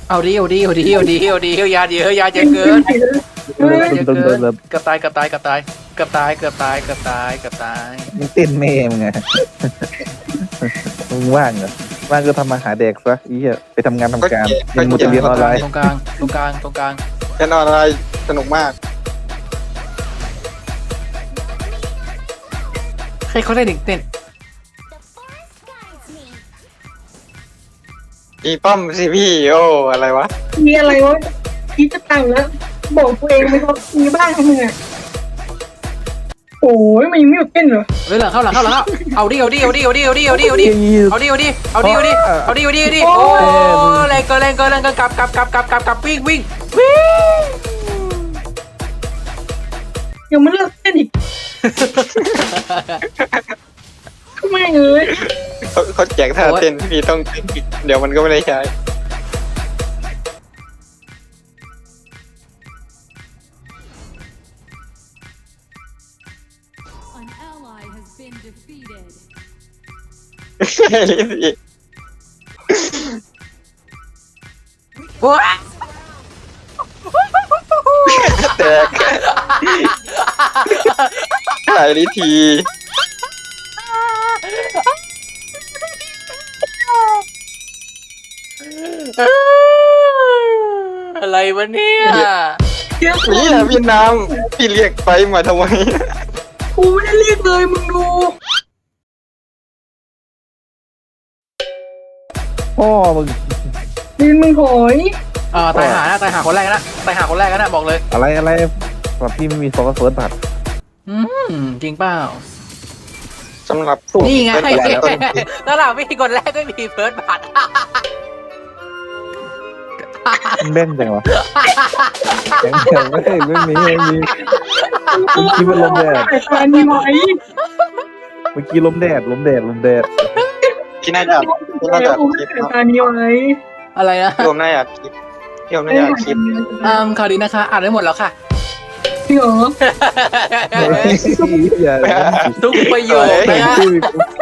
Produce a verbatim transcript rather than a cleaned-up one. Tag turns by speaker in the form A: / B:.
A: เอาดิเอาดิเอาดิเอาดิเอาดิเอายาเยอะยาเยอะเกินยาเยอะเกินเกือบตายเกือบตายเกือบตายเกือบตายเกือบตายเกือบตายเกือบตาย
B: มึงเต้นแม่มึงไงมึงว่างเหรอว่างก็ทำมาหาแดกซะอีเหี้ยไปทำงานทำการยังมูจะเรียนออนไลน์
A: ตรงกลางตรงกลางตรงกลาง
C: เล่นออนไลน์สนุกมาก
A: ใครเขาได้เด็กเต้น
C: อีป้อมสิพี่โอ้อะไรวะ
D: มีอะไรวะคิดจะตังแล้วบอกตัวเองไปเขามีบ้างทำไมอ่ะโอ้ยมันยังไม่หยุดเต้นเหรอ
A: เฮ้ยหลังเข้าหลังเข้าหลังเข้าเอาดิเอาดิเอาดิเอาดิเอาดิเอาดิเอาดิเอาดิเอาดิเอาดิเอาดิเอาดิเอาดิเอาดิโอ้แรงเกินแรงเกินแรงเกินกลับกลับกลับกลับกลับกลับวิ่งวิ่งวิ่ง
D: ยังไม่เลิกเต้นอีกทำไมเอ้ย
C: เขาเขาแจกท่าเต้นพี่ต้องเต้นอีกเดี๋ยวมันก็ไม่ได้ใช้
E: An ally has been defeated.
C: ลิซี่
A: ว้า
C: แตกถ่ายลิที
A: อะไรวะเนี่ย
D: เดี๋ยว
C: นี่นะพี่น้ำพี่เรียกไปมาทำไม
D: กูไม่ได้เรียกเลยมึงดู
B: พ่อมึง
D: ดินมึงถอย
A: อ่าตายหานะตายหาคนแรกนะตายหาคนแรกนะบอกเลย
B: อะไรอะไรแบบพี่ไม่มีโฟกัสเฟิร์สบัตร
A: อืมจริงเปล่า
C: สำหรับ
A: นี่ไง
C: เป็นแบบต้น
A: แล้วเราไม่มีคนแรกก็มีเฟิร์สบัตร
B: มันเล่นจังวะแข็งแข็งไม่ไม่มีไม่มีเมื่อกี้มันลมแดด
D: แต่ตามีไหว
B: เมื่อกี้ลมแดดลมแดดลมแดด
C: พี่น่าจะพี่น่า
D: แล้
C: จะ
D: วกู
C: คลิป
D: แต่ตามีไหว
A: อะไรนะ
C: พี่โอมน่าจะคลิปพี่โอมน่าจะคลิป
A: อืมข่าวดีนะคะอ่านได้หมดแล้วค่ะ
D: พี่เหรอ
B: อย่า
A: ทุกประโยค
B: แต่
A: นะ
B: งชื่อ